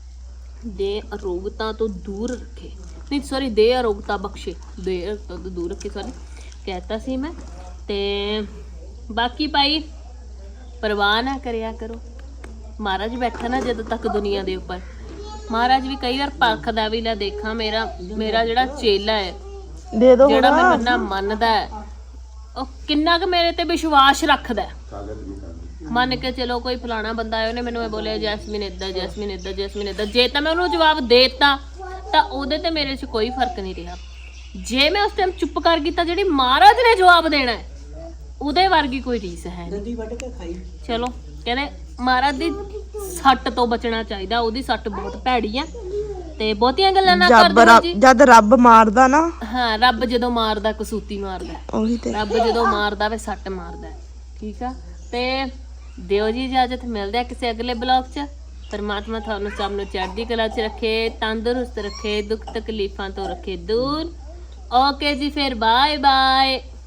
[SPEAKER 1] ਦੇ ਅਰੋਗਤਾ ਤੋਂ ਦੂਰ ਰੱਖੇ, ਨਹੀਂ ਸੌਰੀ ਦੇ ਅਰੋਗਤਾ ਬਖਸ਼ੇ, ਦੇ ਅਰੋਗਤਾ ਤੋਂ ਦੂਰ ਰੱਖੇ, ਸੌਰੀ ਕਹਿਤਾ ਸੀ ਮੈਂ। ਤੇ ਬਾਕੀ ਭਾਈ ਪਰਵਾਹ ਨਾ ਕਰਿਆ ਕਰੋ, ਮਹਾਰਾਜ ਬੈਠਾ ਨਾ ਜਦੋਂ ਤੱਕ ਦੁਨੀਆ ਦੇ ਉੱਪਰ, ਮਹਾਰਾਜ ਵੀ ਕਈ ਵਾਰ ਪਰਖਦਾ ਵੀ, ਲੈ ਦੇਖਾਂ ਮੇਰਾ ਜਿਹੜਾ ਚੇਲਾ ਹੈ,
[SPEAKER 5] ਦੇ ਦੋ
[SPEAKER 1] ਜਿਹੜਾ ਮੈਨੂੰ ਇੰਨਾ ਮੰਨਦਾ ਹੈ, ਉਹ ਕਿੰਨਾ ਕੁ ਮੇਰੇ ਤੇ ਵਿਸ਼ਵਾਸ ਰੱਖਦਾ ਹੈ। ਮੰਨ ਕੇ ਚਲੋ ਕੋਈ ਫਲਾਣਾ ਬੰਦਾ ਆਇਆ, ਉਹਨੇ ਮੈਨੂੰ ਇਹ ਬੋਲਿਆ ਜੈਸਮੀਨ ਏਦਾਂ, ਜੈਸਮੀਨ ਏਦਾਂ, ਜੈਸਮੀਨ ਏਦਾਂ, ਜੇ ਤਾਂ ਮੈਂ ਉਹਨੂੰ ਜਵਾਬ ਦੇ ਦਿੱਤਾ ਤਾਂ ਉਹਦੇ ਤੇ ਮੇਰੇ 'ਚ ਕੋਈ ਫਰਕ ਨਹੀਂ ਰਿਹਾ। ਜੇ ਮੈਂ ਉਸ ਟਾਈਮ ਚੁੱਪ ਕਰ ਗਈ ਤਾਂ ਜਿਹੜੀ ਮਹਾਰਾਜ ਨੇ ਜਵਾਬ ਦੇਣਾ ਹੈ ਉਹਦੇ ਵਰਗੀ ਕੋਈ ਰੀਸ ਹੈ ਨਹੀਂ। ਚਲੋ ਕਹਿੰਦੇ ਮਹਾਰਾਜ ਦੀ ਸੱਟ ਤੋਂ ਬਚਣਾ ਚਾਹੀਦਾ, ਉਹਦੀ ਸੱਟ ਬਹੁਤ ਭੈੜੀ ਆ। ਤੇ ਬਹੁਤੀਆਂ ਗੱਲਾਂ ਨਾ ਕਰਦੇ ਜੀ।
[SPEAKER 5] ਜਦ ਰੱਬ ਮਾਰਦਾ ਨਾ,
[SPEAKER 1] ਹਾਂ ਰੱਬ ਜਦੋਂ ਮਾਰਦਾ ਕਸੂਤੀ ਮਾਰਦਾ,
[SPEAKER 5] ਉਹੀ ਤੇ
[SPEAKER 1] ਰੱਬ ਜਦੋਂ ਮਾਰਦਾ ਵੇ ਸੱਟ ਮਾਰਦਾ। ਠੀਕ ਆ, ਤੇ ਦਿਓ ਜੀ ਇਜਾਜ਼ਤ, ਮਿਲਦੇ ਆ ਕਿਸੇ ਅਗਲੇ ਬਲੌਗ 'ਚ। ਪਰਮਾਤਮਾ ਤੁਹਾਨੂੰ ਸਭ ਨੂੰ ਚੜ੍ਹਦੀ ਕਲਾ 'ਚ ਰੱਖੇ, ਤੰਦਰੁਸਤ ਰੱਖੇ, ਦੁੱਖ ਤਕਲੀਫਾਂ ਤੋਂ ਰੱਖੇ ਦੂਰ। ਓਕੇ ਜੀ, ਫਿਰ ਬਾਏ ਬਾਏ।